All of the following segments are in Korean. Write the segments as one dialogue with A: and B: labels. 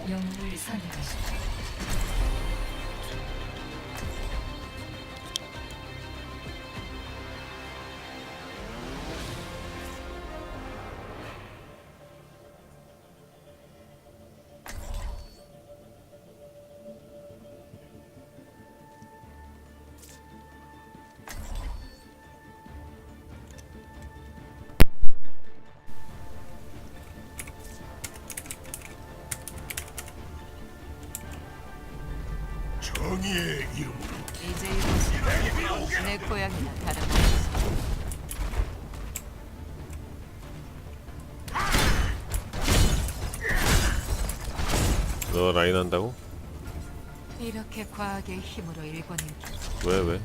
A: 영웅을 선택하십시오.
B: 정의의 이름으로
A: 이제 이곳은 내 고향이나 다름없어.
C: 너 라인 한다고?
A: 이렇게 과학의 힘으로 일궈낸
C: 왜 왜?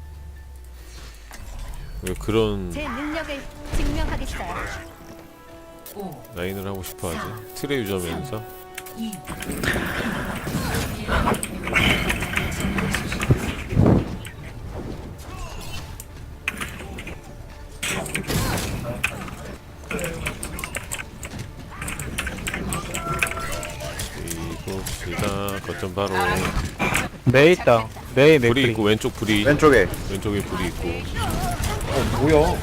C: 왜 그런
D: 제 능력을 증명하겠어요.
A: 5,
C: 라인을 하고 싶어 하지? 트레 유저면서?
A: 2,
C: 이봅시다. 거점 바로
E: 메이 있다. 메이
C: 불이
E: 맥크리.
C: 있고 왼쪽 불이
F: 왼쪽에
C: 왼쪽에 불이 있고
F: 뭐야?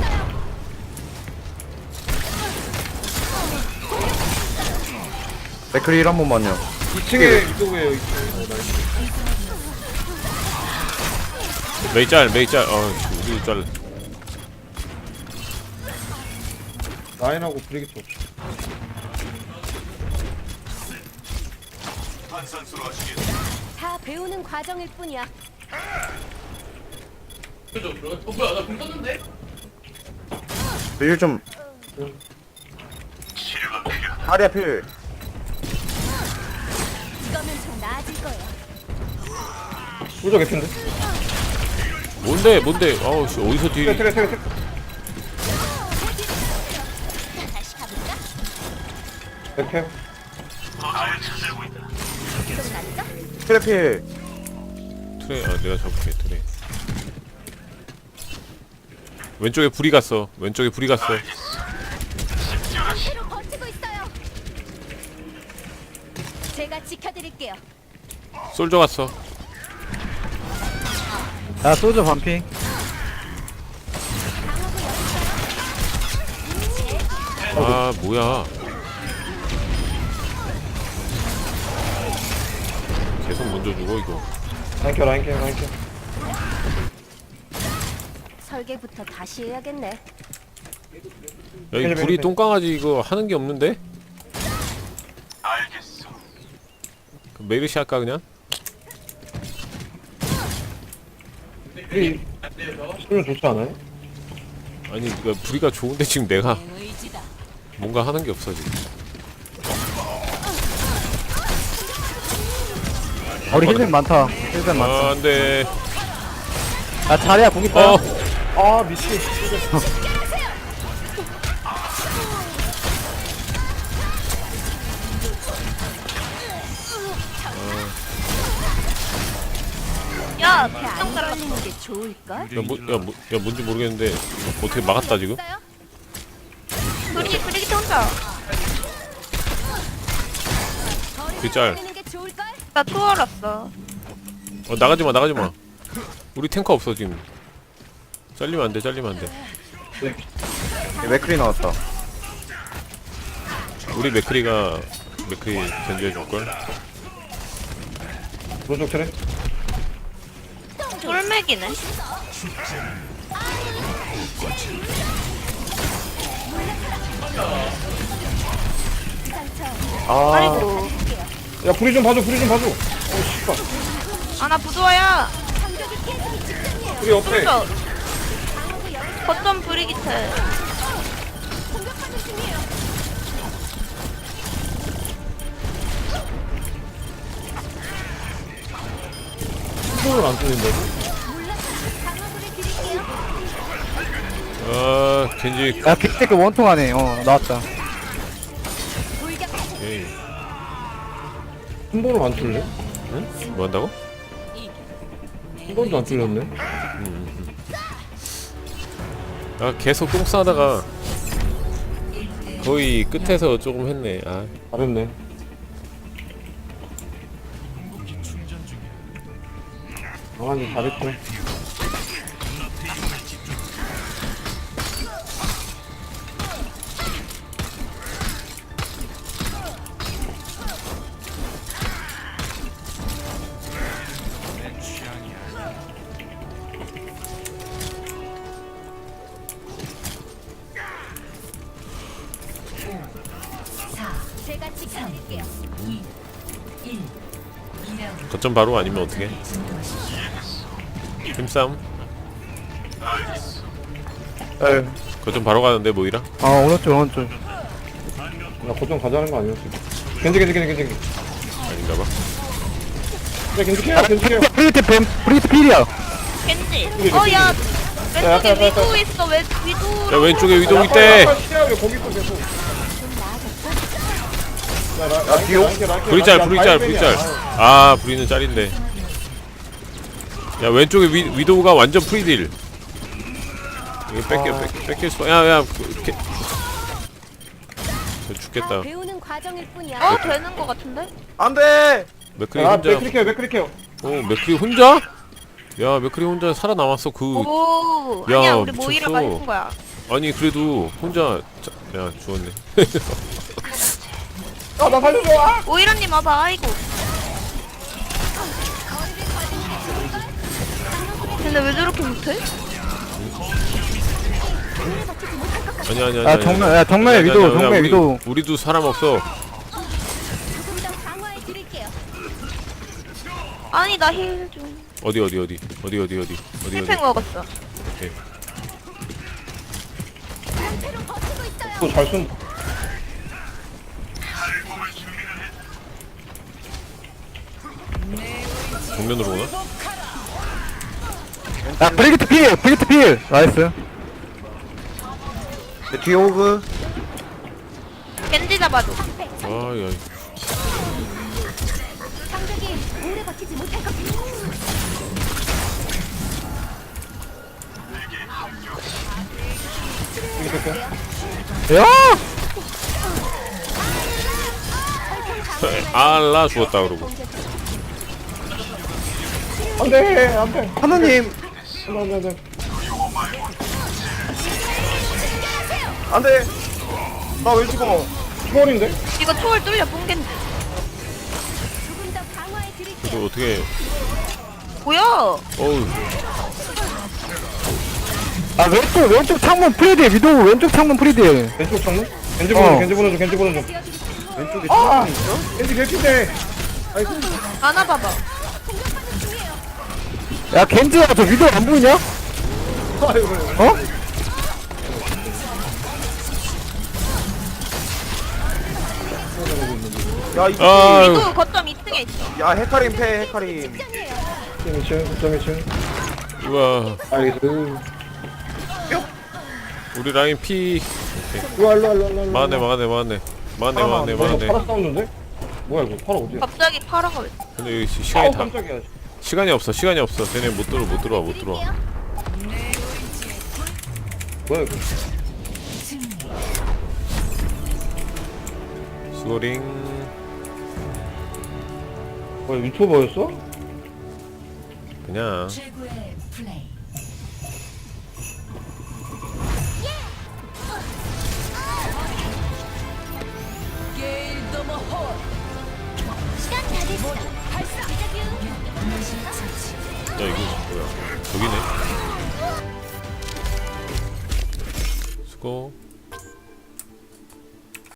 F: 맥크리 1한 번만요.
G: 2층에 위도우예요. 2층.
C: 메이 짤 메이 짤 우리 짤
G: 라인하고 브리기트 없어.
D: 다 배우는 과정일 뿐이야.
F: 일 좀. 다리야 필.
D: 이거면 좀 나아질 거예요.
G: 소저 개핀데?
C: 뭔데 아우 씨 어디서 뒤
G: 트레.
D: 다시 가볼까?
G: 백패.
D: 좀 낫죠?
F: 필 필.
C: 트레 내가 잡을게 트레 왼쪽에 불이 갔어 왼쪽에 불이 갔어
D: 앞으로 버티고 있어요. 제가 지켜드릴게요.
C: 솔져 갔어
E: 야 소주 반핑.
C: 아 뭐야 계속 먼저 죽어 이거
G: 라인 켜.
D: 설계부터 다시 해야겠네.
C: 야이 불이 똥강아지 이거 하는 게 없는데? 알겠어 메르시 할까 그냥?
G: 브리 소저 좋지 않아요?
C: 아니 그러니까 불이가 좋은데 지금 내가
A: 내 의지다.
C: 뭔가 하는 게 없어 지금
E: 우리 힐백 많다. 힐백 많다.
C: 아 안돼
E: 야 자리야 공 있다.
G: 아 미친.
D: 야, 안 걸리는 게 좋을걸?
C: 야 뭔지 모르겠는데 어떻게 막았다 지금?
D: 있어요?
H: 브리기트 혼자.
C: 뒷짤
D: 걸리는 게 좋을걸?
H: 나 투어랐어.
C: 나가지마 우리 탱커 없어 지금 잘리면 안돼
F: 맥크리 나왔다.
C: 우리 맥크리 견제해줄걸?
G: 소저 트레.
H: 돌맥이네.
F: 아
H: 아이고.
G: 야 브리 좀 봐줘. 씨발.
H: 아, 나 부조화야.
G: 브리 옆에.
H: 혼자. 거점 브리기트.
G: 손을 안 쓰는다고?
C: 아 겐지
E: 야 빅테크 원통 안에 나왔다.
C: 에이
G: 한 번은 안 뚫려?
C: 응? 뭐 한다고?
G: 한 번도 안 뚫렸네.
C: 아 계속 똥 싸다가 거의 끝에서 조금 했네 아
G: 잘했네. 아니 잘했죠.
D: 제가 지켜드릴게요.
C: 거점 바로 아니면 어떻게? 힘싸움?
F: 에휴.
C: 거점 바로 가는데 모이라?
E: 오른쪽.
G: 나 고정 가자는 거 아니었어. 겐지.
C: 아닌가봐.
G: 그래 겐지해요.
E: 브리트 필이야.
H: 겐지. 어야 왼쪽에 위도 있어. 왜 위도?
C: 야 왼쪽에 위동 있대.
G: 왜 거기 있어 계속.
F: 야, 뒤로?
C: 브리짤. 아 브리는 짤인데. 야 왼쪽에 위도우가 완전 프리딜. 이거 뺏길 수. 야야 이렇게. 죽겠다.
D: 배우는 과정일 뿐이야.
H: 되는 거 같은데?
F: 안돼.
C: 맥크리
G: 아
C: 혼자.
G: 맥크리케요.
C: 맥크리 혼자? 야 맥크리 혼자 살아남았어.
H: 오.
C: 야,
H: 아니야 우리
C: 미쳤어.
H: 모이라가 해준 거야.
C: 아니 그래도 혼자. 야 죽었네.
G: 나 살려줘.
H: 모이라님 와봐. 아이고. 근데 왜 저렇게 못해?
C: 아니야.
E: 정면에 위도우, 정면에 위도우.
C: 우리도 사람 없어.
D: 조금 더 강화해드릴게요.
H: 아니 나 힐 좀.
C: 어디.
H: 힐팩 먹었어.
D: 상태로 버티고 있어요.
G: 또잘 쓴.
C: 정면으로 오나?
E: 야, 브리트 필. 나이스.
F: 내 뒤에 호그.
H: 겐지 잡아줘.
C: 아야.
D: 상대기 오래 버티지 못할 것 같아.
E: 야!
C: 알라 죽었다 그러고.
G: 안돼.
F: 하느님. 안돼. 나 왜 죽어?
G: 초월인데?
H: 이거 초월 뚫려 뽕겐지.
D: 조금 더 강화해드릴게요.
C: 또 어떻게?
H: 뭐야?
C: 어우.
E: 아, 왼쪽 창문 프리딜. 위도우 왼쪽 창문 프리딜.
G: 왼쪽 창문? 겐지 보는 중.
F: 왼쪽에
G: 아!
F: 창문 있어?
G: 겐지 개피네.
H: 안아봐봐.
E: 야, 겐지야, 저 위도우 안 보이냐? 어?
F: 야, 이
C: 아유.
H: 위도 거점 2층에 있어.
F: 야, 헤카림 패, 헤카림.
G: 2층.
C: 우와.
G: 알겠어.
C: 우리 라인 피.
G: 일로.
C: 막았네.
G: 파라 싸우는데? 뭐야 이거? 파라 어디야?
H: 갑자기 파라가 왜?
C: 근데 여기 시간이 다.
G: 깜짝이야.
C: 시간이 없어. 쟤네 못 들어와.
G: 뭐야 이거?
C: 수고링.
G: 뭐야 유튜버였어?
C: 그냥.
D: 시간 다 됐어. 발사.
C: 야 이거 뭐야? 저기네. 수고.